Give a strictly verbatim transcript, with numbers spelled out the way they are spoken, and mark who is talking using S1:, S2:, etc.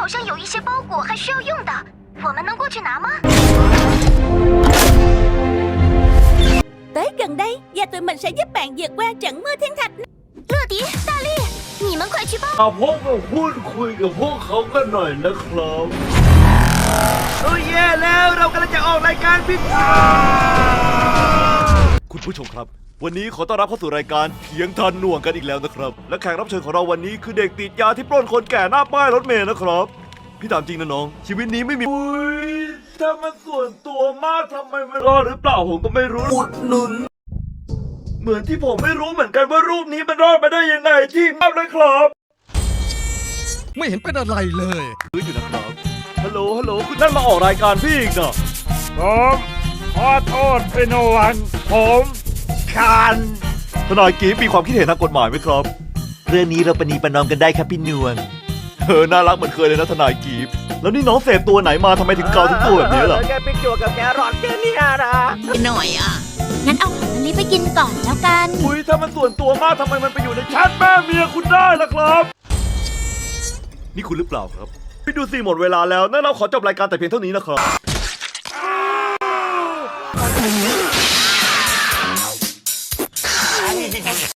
S1: 好像有一些包裹还需要用的，我们能过去拿吗
S2: ？Tới gần đây và tụi mình sẽ giúp bạn vượt qua trận mưa thiên thạch.
S1: 乐迪、大力，你们快去帮！
S3: มาพบกับพูดคุยกับพวกเขากันหน่อยนะครับโอ้ยแย่แล้วเรากำลังจะออกรายการพิเศษคุณผู้ชมครับวันนี้ขอต้อนรับเข้าสู่รายการเถียงทันหน่วงกันอีกแล้วนะครับและแขกรับเชิญของเราวันนี้คือเด็กติดยาที่ปล้นคนแก่หน้าป้ายรถเมล์นะครับพี่ถามจริงนะน้องชีวิตนี้ไม่มีอุ้ยถ้ามันส่วนตัวมากทำไมไม่รอดหรือเปล่าผมก็ไม่รู้อุดหนุนเหมือนที่ผมไม่รู้เหมือนกันว่ารูปนี้มันรอดมาได้ยังไงที่มากเลยครับ
S4: ไม่เห็นเป็นอะไรเลย
S3: คืออยู่นะครับฮัลโหลฮัลโหลคุณนั่นมาออกรายการพี่อีกเนาะ
S5: ผมขอโทษพี่นวลผมคัน
S3: ทนายกีฟมีความคิดเห็นทางกฎหมายไหมครับเรื่องนี้เราปณีประนอมกันได้ครับพี่นวลเออน่ารักเหมือนเคยเลยนะทนายกีฟแล้วนี่น้องเสพตัวไหนมาทำไมถึงเกาทุกตัวแบบนี้ล่ะ
S5: แกไปจั่วกับแกรอดแค่นี้นะ
S2: หน่อยอ่ะ
S1: งั้นเอาของอันนี้ไปกินก่อนแล้วกัน
S3: อุ้ยถ้ามันส่วนตัวมากทำไมมันไปอยู่ในแชทแม่เมียคุณได้ล่ะครับนี่คุณหรือเปล่าครับพี่ดูสิหมดเวลาแล้วนั่นเราขอจบรายการแต่เพียงเท่านี้นะครับ